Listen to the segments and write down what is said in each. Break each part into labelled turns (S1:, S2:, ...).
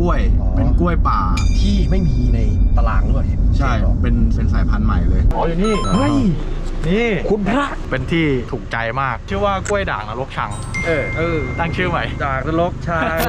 S1: ล้วยเป็นกล้วยป่า
S2: ที่ไม่มีในตารางด้วย
S1: ใช่เป็นสายพันธุ์ใหม่เลย
S3: อ๋ออยู่นี่
S2: เฮ้ย
S3: นี่
S2: คุณพระ
S3: เป็นที่ถูกใจมากชื่อว่ากล้วยด่างนรกชังตั้งชื่อใหม่
S2: ด่างนรกชัง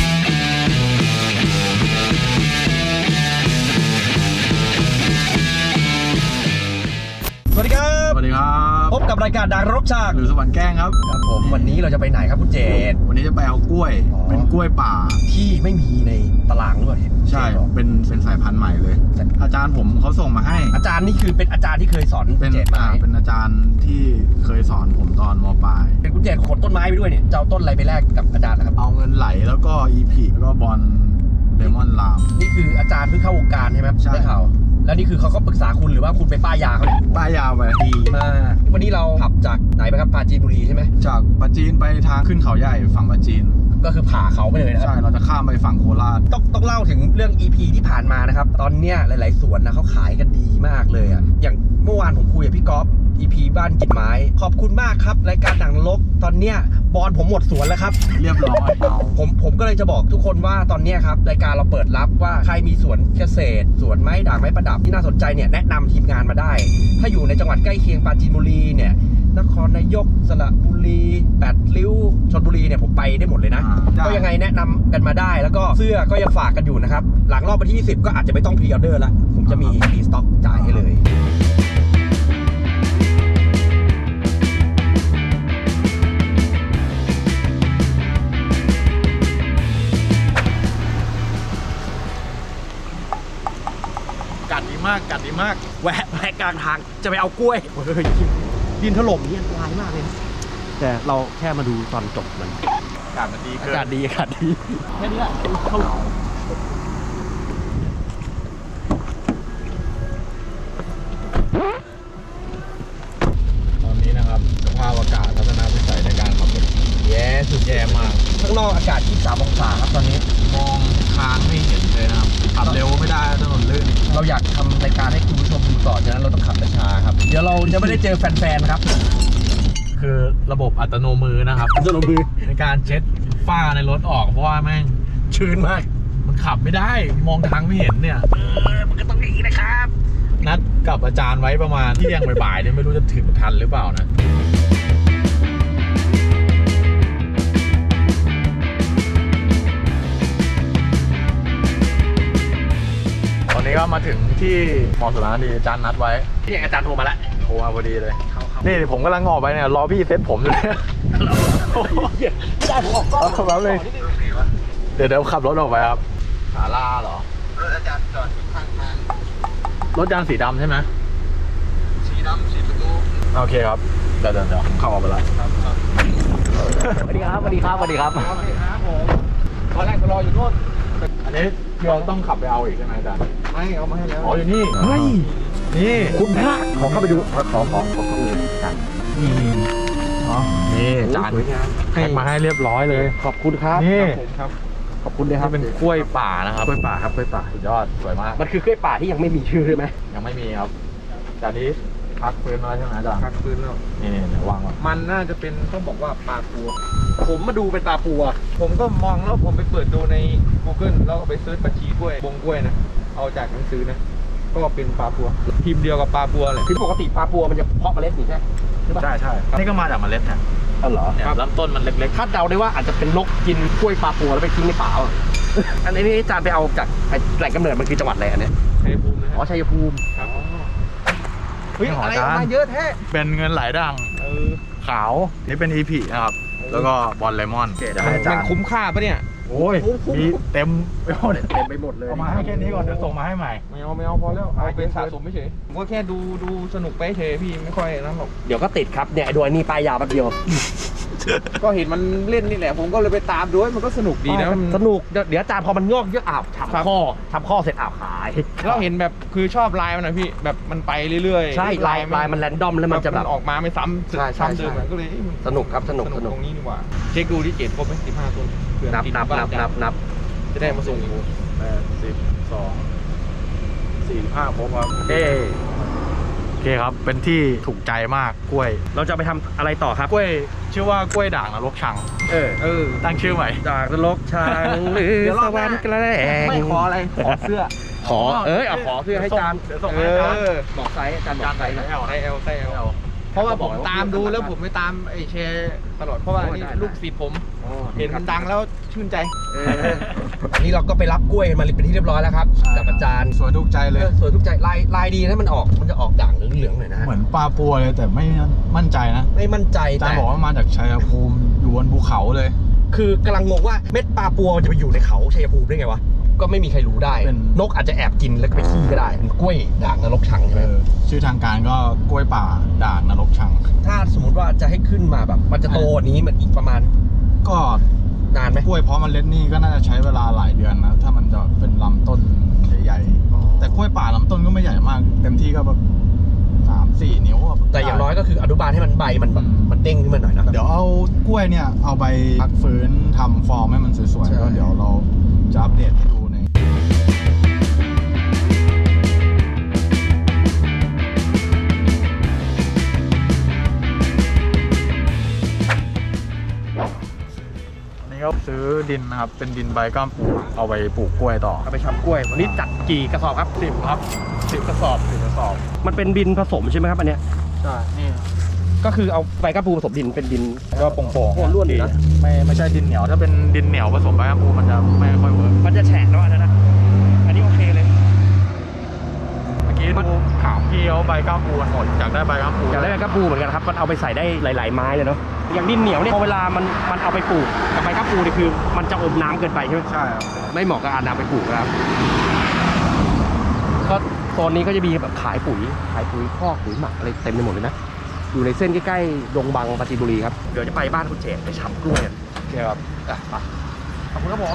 S2: สวัสดีครับ
S1: สวัสดีครับ
S2: พบกับรายการด่างนรกชัง
S1: หรือสวรรค์แกล้งครับ
S2: ผมวันนี้เราจะไปไหนครับคุณเจษ
S1: วันนี้จะไปเอากล้วยเป็นกล้วยป่า
S2: ที่ไม่มีในตารางด้วย
S1: ใช่เป็นสายพันธุ์ใหม่เลยอาจารย์ผมเขาส่งมาให้
S2: อาจารย์นี่คือเป็นอาจารย์ที่เคยสอน
S1: เป็น
S2: เจษมา
S1: เป็นอาจารย์ที่เคยสอนผมตอนม.ปลาย
S2: เป็นคุณเจษขนต้นไม้ไปด้วยเนี่ยจะเอาต้นอะไรไปแลกกับอาจารย์นะครับ
S1: เอาเงินไหลแล้วก็อีพีแล้วก็บอลเลมอนลาม
S2: นี่คืออาจารย์เพิ่งเข้าวงการใช่ไหม
S1: ใช่
S2: ได้ข่าวแล้วนี่คือเขาก็ปรึกษาคุณหรือว่าคุณไปป้ายยาเขา
S1: ป้ายยาไป
S2: ดีมากวันนี้เราขับจากไหนไปครับปราจีนบุรีใช่ไหม
S1: จากปราจีนไปทางขึ้นเขาใหญ่ฝั่งปราจีน
S2: ก็คือผ่าเขาไปเลยนะครับ
S1: ใช่เราจะข้ามไปฝั่งโคราช
S2: ต้องเล่าถึงเรื่อง EP ที่ผ่านมานะครับตอนเนี้ยหลายๆสวนนะเขาขายกันดีมากเลยอ่ะอย่างเมื่อวานผมคุยกับพี่ก๊อฟ EP บ้านกินไม้ขอบคุณมากครับรายการด่างนรกตอนเนี้ยบอลผมหมดสวนแล้วครับ
S1: เรียบร้อย
S2: ผมก็เลยจะบอกทุกคนว่าตอนนี้ครับรายการเราเปิดรับว่าใครมีสวนเกษตรสวนไม้ด่างไม้ประดับที่น่าสนใจเนี่ยแนะนำทีมงานมาได้ถ้าอยู่ในจังหวัดใกล้เคียงปราจีนบุรีเนี่ยนครนายกสระบุรีแปดริ้วชลบุรีเนี่ยผมไปได้หมดเลยนะก็ยังไงแนะนำกันมาได้แล้วก็เสื้อก็ยังฝากกันอยู่นะครับหลังรอบวันที่20ก็อาจจะไม่ต้องพรีออเดอร์ละผมจะมีรีสต็อกจ่ายให้เลย
S3: กัดดีมาก
S2: แวะกลางทางจะไปเอากล้วยดินถล่มนี่อันตรายมากเลยแต่เราแค่มาดูตอนจบมัน
S3: อากาศมันดี
S2: อากาศดีแค่นี้แหละเข้า
S1: ตอนนี้นะครับสภาพอากาศทัศนวิสัยในการขับรถสุดแย่มาก
S2: ข้างนอกอากาศ23 องศาครับตอนนี้
S1: มองทางไม่เห็นเลยนะครับขับเร็วไม่ได้ถนนลื่น
S2: เราอยากทำรายการให้คุณผู้ชมดูต่อฉะนั้นเราต้องขับช้าครับเดี๋ยวเราจะไม่ได้เจอแฟนๆครับ
S3: คือระบบอัตโนมือนะครับ
S2: อัตโนมือ
S3: ในการเช็ดฝ้าในรถออกเพราะว่าแม่ง
S2: ชื้นมาก
S3: มันขับไม่ได้มองทางไม่เห็นเนี่ย
S2: มันก็ต้องอย่างนี้นะครับ
S3: นัดกับอาจารย์ไว้ประมาณเที่ยงบ่ายๆเนี่ยไม่รู้จะถึงทันหรือเปล่านะตอนนี้ก็มาถึงที่มอสุราดีอาจารย์นัดไว้
S2: ที่อาจารย์โทรมาแล้ว
S3: โทรมาพอดีเลยนี่ผมกำลังออกไปเนี่ยรอพี่เซ็ตผมอยู่เลย
S2: ไม่ได้ผมออกก็
S3: แป๊บนึงเดี๋ยวขับรถออกไปครับ
S1: ศาลาเหรอรถอาจารย์จอดข้างทาง
S3: รถยางสีดำใช่ไหม
S1: สีดำสีประตู
S3: โอเคครับเดี๋ยวเข้าออกไปแล้ว
S2: สวัสดีครับผมตอนแรกรออยู่โน่น
S3: อันนี้เราต้องขับไปเอาอีกใช่ไหมอาจารย์
S1: ไม่เอามาให้แล้ว
S3: อ๋ออยู่นี่
S2: เฮ้ย
S3: นี่
S2: คุณพระขอเข้าไปดูขอกัน
S3: นี่จานให้มาให้เรียบร้อยเลย
S2: ขอบคุณครับ
S3: นี่
S1: ครับ
S2: ขอบคุณเลยครับ
S3: เป็นกล้วยป่านะครับ
S2: กล้วยป่าครับกล้วยป่า
S3: สุดยอดสวยมาก
S2: มันคือกล้วยป่าที่ยังไม่มีชื่อใช่ไหม
S3: ยังไม่มีครับแต่นี้พักฟื้นแล้วใช่ไหมอาจารย์
S1: พักฟื้นแล้ว
S3: นี่วาง
S1: มันน่าจะเป็นต้องบอกว่าปลาปัวผมมาดูเป็นปลาปัวผมก็มองแล้วผมไปเปิดดูใน Google แล้วก็ไปเซิร์ชบัญชีกล้วยบงกล้วยนะเอาจากหนังสือนะก็เป็นปลาปัวพิมพ์เดียวกับปลาปัวเลย
S2: คือปกติปลาปัวมันจะเพาะเมล็ดนี่ใช่
S3: ใช่นี่ก็มาจากเมล็ดเนี่ย
S2: เหรอ
S3: ลำต้นมันเล็ก
S2: ๆคาดเดาได้ว่าอาจจะเป็นนกกินกล้วยปลาปัวแล้วไปทิ้งในป่าอันนี้อาจารย์ไปเอาจากแหล่งกำเนิดมันคือจังหวัดอะไรอันนี้
S1: ชัยภูมิ
S2: อ๋อชัยภูมิ
S1: ครับเฮ้ยอะไรมาเยอะแท้
S3: เป็นเงินไหลด่างขาวนี่เป็นอีพีนะครับแล้วก็บอลเลมอน
S1: มันคุ้มค่าปะเนี่ย
S3: โอ้ยมีเต็ม
S2: ไปหมดเลย
S3: เอามาให้แค่นี้ก่อนเดี๋ยวส่งมาให้ใหม่
S1: ไม่เอาพอแล้วเอาเป็นสะสมไม่เฉยผมก็แค่ดูสนุกไปเฉยพี่ไม่ค่อยนั่นหรอก
S2: เดี๋ยวก็ติดครับเนี่ยไอ้ด้วยนี่ปลายยาวแป๊บเดียว
S1: ก็เห็นมันเล่นนี่แหละผมก็เลยไปตามด้วยมันก็สนุกดีนะ
S2: สนุกเดี๋ยวอาจารย์พอมันงอกเยอะทำข้อเสร็จขาย
S1: เราเห็นแบบคือชอบลายมันนะพี่แบบมันไปเรื่อย
S2: ๆใช่ลายมันแรนดอมแล้วมันจะแบบ
S1: ออกมาไม่ซ้ำเดิมก็เลย
S2: สนุกครับสนุก
S1: ตรงนี้ดีกว่าเช็คดูที่เกตครบไหม15 ตัว
S2: นับ
S1: จะได้มาส่งอยู่
S3: 12 45ครบครับโอเคครับเป็นที่ถูกใจมากกล้วย
S2: เราจะไปทำอะไรต่อครับ
S3: กล้วยชื่อว่ากล้วยด่างนรกชัง
S2: เออ
S3: ตั้งชื่อใหม่
S2: จากนรกชางหรือสวรรค์แกล้ง
S1: ไม่ขออะไรขอเสื้อ
S2: ขอเอาขอเพื่อให้จาน
S3: เดี๋ยวส่งให้จาน
S2: บอกไซส์จานบอกไซส์นะ
S3: ไซส์
S1: ไซส์ L เพราะว่าผมตามดูแล้วผมไม่ตามไอ้แชร์ตลอดเพราะว่านี่ลูกศิษย์ผมเห็นมันดังแล้วชื่นใจ
S2: นี่เราก็ไปรับกล้วยมาเป็นที่เรียบร้อยแล้วครับกับอาจารย์
S3: สวยถูกใจเลย
S2: สวยทุกใจลายดีนะมันจะออกด่างเหลืองๆหน่อยนะ
S3: เหมือนปลาปัวเลยแต่ไม่มั่นใจนะ
S2: ไม่มั่นใจ
S3: อาจาร
S2: แต่
S3: ย์บอกว่ามาจากชัยภูมิอยู่บนภูเขาเลย
S2: คือกำลังงงว่าเม็ดปลาปัวมันจะไปอยู่ในเขาชัยภูมิได้ไงวะก็ไม่มีใครรู้ได้
S3: เป็น
S2: นกอาจจะแอบกินแล้วก็ไปขี้ก็ได้เป็นกล้วยด่างนรกชังใช่ไหม
S3: ชื่อทางการก็กล้วยป่าด่างนรกชัง
S2: ถ้าสมมติว่าจะให้ขึ้นมาแบบมันจะโตกว่านี้มันอีกประมาณ
S3: ก็
S2: นานไหม
S3: กล้วยเพาะเมล็ดนี่ก็น่าจะใช้เวลาหลายเดือนนะถ้ามันจะเป็นลำต้นใหญ่ๆแต่กล้วยป่าลำต้นก็ไม่ใหญ่มาก เต็มที่ก็แบบ3-4 นิ้วอะ
S2: แต่อย่างน้อยก็คืออนุบาลให้มันใบมันแบบมันเด้งขึ้นมาหน่อยนะ
S3: เดี๋ยวเอากล้วยเนี่ยเอาไปพักฟื้นทำฟอร์มให้มันสวย
S2: ใช่
S3: ๆก็เดี๋ยวเราจะอัปเดตให้ดูใน นี่ก็ซื้อดินนะครับ เป็นดินใบก้ามปูเอาไปปลูกกล้วยต่อ
S2: เอาไปทำกล้วยวันนี้จัดกี่กระสอบครับ
S3: 10 ครับ 10 กระสอบ 10 กระสอบ
S2: มันเป็นดินผสมใช่ไหมครับอันเนี้ย
S3: ใช่ นี่
S2: ก็คือเอาใบกระปูผสมดินเป็นดิน
S3: ก็โป่ง
S2: โอ้ร่วนดีนะ
S3: ไม่ใช่ดินเหนียว ถ้าเป็นดินเหนียวผสมใบก้ามปูมันจะไม่ค่อยเวิร์ก
S2: มันจะแฉะแล้วอันนั้นนะอันนี้โอเคเลย
S3: เมื่อกี้ดูถามพี่เขาใบก้ามปูกันหมดอยากได้ใบก้ามปู
S2: อยากได้ใบกระปูเหมือนกันครับมันเอาไปใส่ได้หลาย ๆ ไม้เลยเนาะอย่างดินเหนียวเนี่ยพอเวลามันเอาไปปลูกกับใบกระปูนี่คือมันจะอมน้ำเกินไปใช่ไหม
S3: ใช่ครับ
S2: ไม่เหมาะกับการนำไปปลูกนะครับก็โซนนี้ก็จะมีแบบขายปุ๋ยคอกปุ๋ยหมักอะไรเต็มไปหมดเลยนะอยู่ในเส้นใกล้ๆดงบังปราจีนบุรีครับเดี๋ยวจะไปบ้านคุณเจตไปช้ำกล้วยกัน
S3: โอเคครับ
S2: ไปขอบคุณครับผม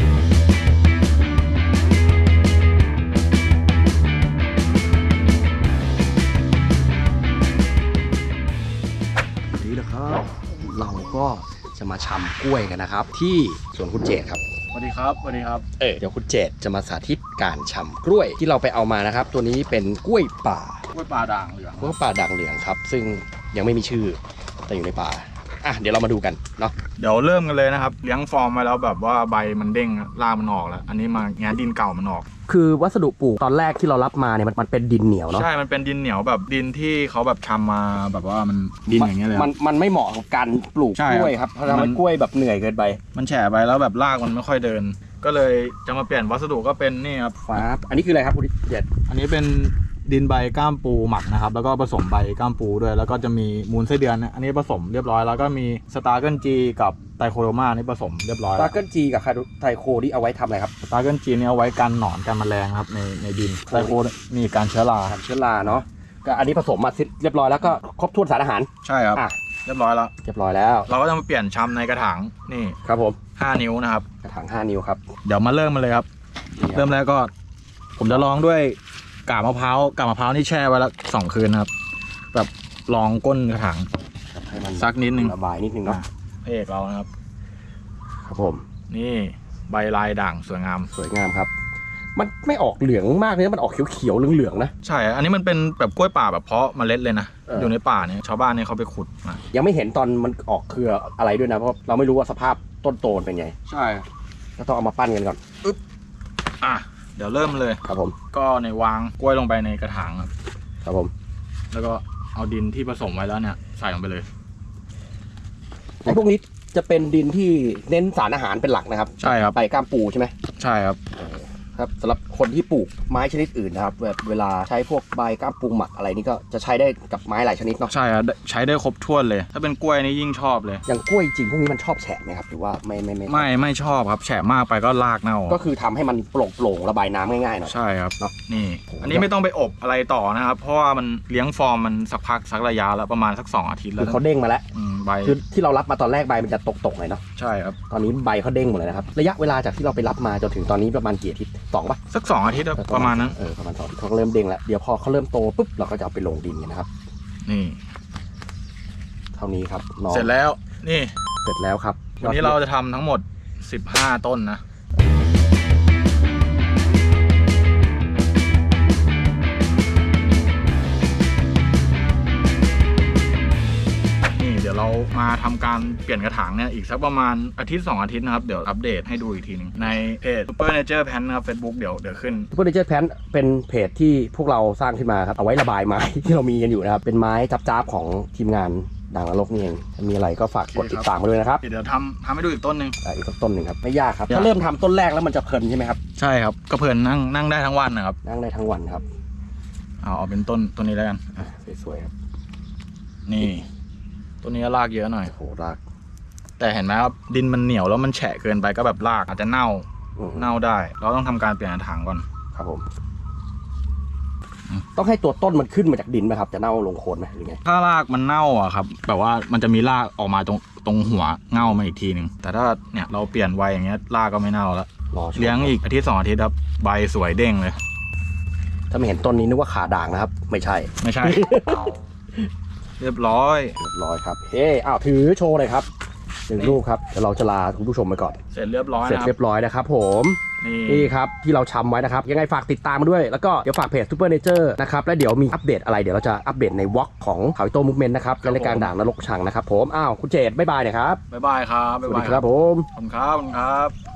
S2: นี่นะครับเราก็จะมาชำกล้วยกันนะครับ ที่สวนคุณเจตครับ
S3: สวัสดีครับ สวัสดีครับ
S2: เดี๋ยวคุณเจตจะมาสาธิตการชำกล้วยที่เราไปเอามานะครับ ตัวนี้เป็นกล้วยป่าก
S3: ล้วยป่าด่างเหลือง
S2: กล้วยป่าด่างเหลืองครับ ซึ่งยังไม่มีชื่อแต่อยู่ในป่าเดี๋ยวเรามาดูกันเนาะ
S3: เดี๋ยวเริ่มกันเลยนะครับ เลี้ยงฟอร์มมาแล้วแบบว่าใบมันเด้งรากมันออกแล้ว อันนี้มาแงะดินเก่ามันออก
S2: คือวัสดุปลูกตอนแรกที่เรารับมาเนี่ยมันเป็นดินเหนียวเนาะ
S3: ใช่ มันเป็นดินเหนียวแบบดินที่เขาแบบชำมาแบบว่ามันดินอย่างเงี้ยเลยครับ
S2: มันไม่เหมาะกับการปลูก
S3: ใช่
S2: ก
S3: ครับ
S2: ล้วยครับเพราะทำให้กล้วยแบบเหนื่อยเกินไป
S3: มันแฉะไปแล้วแบบรากมันไม่ค่อยเดิน ก็เลยจะมาเปลี่ยนวัสดุก็เป็นนี่ครับ
S2: ฟ้าอันนี้คืออะไรครับคุณเจต
S3: อันนี้เป็นดินใบก้ามปูหมักนะครับแล้วก็ผสมใบก้ามปูด้วยแล้วก็จะมีมูลไส้เดือนนะอันนี้ผสมเรียบร้อยแล้วก็มีสตาร์เกิลจีกับไตโคโรมานี่ผสมเรียบร้อย
S2: ตาเกิลจีกับไทโคที่เอาไว้ทำอะไรครับ
S3: สตาร์เกิลจีนี่เอาไว้กันหนอนกันแมลงครับในดินไตโคนี่การเชื้อรา
S2: ทำเชื้อราเนาะก็อันนี้ผสมมาเรียบร้อยแล้วก็ครบถ้วนสารอาหาร
S3: ใช่ครับ
S2: อ่ะ
S3: เรียบร้อยแล้ว
S2: เรียบร้อยแล้ว
S3: เราก็จะมาเปลี่ยนชำในกระถางนี่
S2: ครับผม
S3: 5 นิ้วนะครับ
S2: กระถาง5 นิ้วครับ
S3: เดี๋ยวมาเริ่มมาเลยครับ เริ่มแรกก็ ผมจะลองด้วยกาบมะพร้าวนี่แช่ไว้แล้ว2 คืนครับแบบลองก้นกระถาง
S2: ให้มัน
S3: สักนิดนึง
S2: ระบายนิดนึงเนาะ
S3: พระเอกเรานะครับ
S2: ครับผม
S3: นี่ใบลายด่างสวยงาม
S2: สวยงามครับ มันไม่ออกเหลืองมากเลยนะมันออกเขียวๆเหลืองๆนะ
S3: ใช่ อันนี้มันเป็นแบบกล้วยป่าแบบเพาะเมล็ดเลยนะ อยู่ในป่าเนี่ยชาวบ้านเนี่ยเขาไปขุดมา
S2: ยังไม่เห็นตอนมันออกเครืออะไรด้วยนะเพราะเราไม่รู้ว่าสภาพต้นโตมันเป็นไง
S3: ใช่
S2: ก็ต้องเอามาปั้นกันก่อน
S3: อ่ะเดี๋ยวเริ่มเลย
S2: ครับผม
S3: ก็ในวางกล้วยลงไปในกระถางครับ
S2: ครับผม
S3: แล้วก็เอาดินที่ผสมไว้แล้วเนี่ยใส่ลงไปเลย
S2: ไอ้พวกนี้จะเป็นดินที่เน้นสารอาหารเป็นหลักนะครับ
S3: ใช่ครับ
S2: ใบก้ามปูใช่ไหม
S3: ใช่ครับ
S2: ครับสำหรับคนที่ปลูกไม้ชนิดอื่นนะครับแบบเวลาใช้พวกใบก้ามปูหมักอะไรนี่ก็จะใช้ได้กับไม้หลายชนิดเนาะ
S3: ใช่ครับใช้ได้ครบถ้วนเลย ถ้าเป็นกล้วยนี่ยิ่งชอบเลย
S2: อย่างกล้วยจริงพวกนี้มันชอบแฉะไหมครับหรือว่า
S3: ไม่ชอบครับแฉะมากไปก็รากเน่า
S2: ก็คือทำให้มันโปร่งๆระบายน้ำง่ายๆหน่อย
S3: ใช่ครับ
S2: เนาะ
S3: นี่ อันนี้ไม่ต้องไปอบอะไรต่อนะครับ เพราะว่ามันเลี้ยงฟอร์มมันสักระยะแล้วประมาณสัก2 อาทิตย์แล้
S2: คื
S3: ว
S2: อเขาเด้งมาแล้ว
S3: ใบ
S2: คือที่เรารับมาตอนแรกใบมันจะตกๆหน่อยเนาะ
S3: ใช่ครับ
S2: ตอนนี้ใบเขาเด้งหมดเลยนะครับระยะเวลาจากที่เราไปรับมาจนถึงตอนนี้ประมาณกี่อาทิตย์2ป่ะ
S3: สัก2 อาทิตย์ครับประมาณนั้น
S2: ประมาณ2 อาทิตย์เขาก็เริ่มเด้งแล้วเดี๋ยวพอเขาเริ่มโตปุ๊บเราก็จะเอาไปลงดินกันนะครับ
S3: นี่
S2: เท่านี้ครับน้อง
S3: เสร็จแล้วนี่
S2: เสร็จแล้วครับ
S3: วันนี้เราจะทำทั้งหมด15 ต้นนะนี่เดี๋ยวยวเรามาทำการเปลี่ยนกระถางเนี่ยอีกสักประมาณอาทิตย์2 อาทิตย์นะครับเดี๋ยวอัปเดตให้ดูอีกทีหนึงในเพจ Super Nature Pan นะครับ Facebook เดี๋ยวขึ้น
S2: Super Nature Pan เป็นเพจที่พวกเราสร้างขึ้นมาครับเอาไว้ระบายไม้ ที่เรามีกันอยู่นะครับเป็นไม้จับๆของทีมงานด่างนรกนี่เองถ้ามีอะไรก็ฝากกดติดตามมาด้วยนะครับ
S3: เดี๋ยวทำให้ดูอีกต้นหนึ่ง
S2: อีกสักต้นหนึ่งครับไม่ยากครับถ้าเริ่มทำต้นแรกแล้วมันจะเพลินใช่ไหมครับ
S3: ใช่ครับก็เพลินนั่งได้ทั้งวันนะครับ
S2: นั่งได้ทั้งวันครับ
S3: เอาเป็นต้นนี้แล้วกัน
S2: สวยๆครับ
S3: นี่ต้นนี้ก็รากเยอะหน่อย
S2: โหราก
S3: แต่เห็นไหมครับดินมันเหนียวแล้วมันแฉะเกินไปก็แบบรากอาจจะเน่าได้เราต้องทำการเปลี่ยนกระถางก่อน
S2: ครับผมต้องให้ตัวต้นมันขึ้นมาจากดินไหมครับจะเน่าลงโคนไหมหรือไง
S3: ถ้ารากมันเน่าอะครับแบบว่ามันจะมีรากออกมาตรงหัวเง่ามาอีกทีหนึ่งแต่ถ้าเนี่ยเราเปลี่ยนไวอย่างเงี้ยรากก็ไม่เน่าแล้ว
S2: รอชม
S3: เลี้ยงอีกอาทิตย์2 อาทิตย์ครับใบสวยเด้งเลย
S2: ถ้าไม่เห็นต้นนี้นึกว่าขาด่างนะครับไม่ใช่
S3: ไม่ใช่ เรียบร้อย
S2: เรียบร้อยครับเฮ้อ้าวถือโชว์เลยครับ1 รูปครับเดี๋ยวเราจะลาคุณผู้ชมไปก่อน
S3: เสร็จเรียบร้อย
S2: เสร็จ
S3: นะค
S2: เรี
S3: รับ
S2: ยบร้อยนะครับผมนี่ครับที่เราชำไว้นะครับยังไงฝากติดตามมาด้วยแล้วก็เดี๋ยวฝากเพจ Super Nature นะครับแล้วเดี๋ยวมีอัปเดตอะไรเดี๋ยวเราจะอัปเดตในวอล์กของเขาอิโต้มูฟเมนต์นะครับและรายการด่างนรกชังนะครับผมอ้าวคุณเจตบ๊ายบายหน่อยครับ
S3: บ๊ายบายครับ
S2: สวัสดีครับผม
S3: ขอบคุณครับ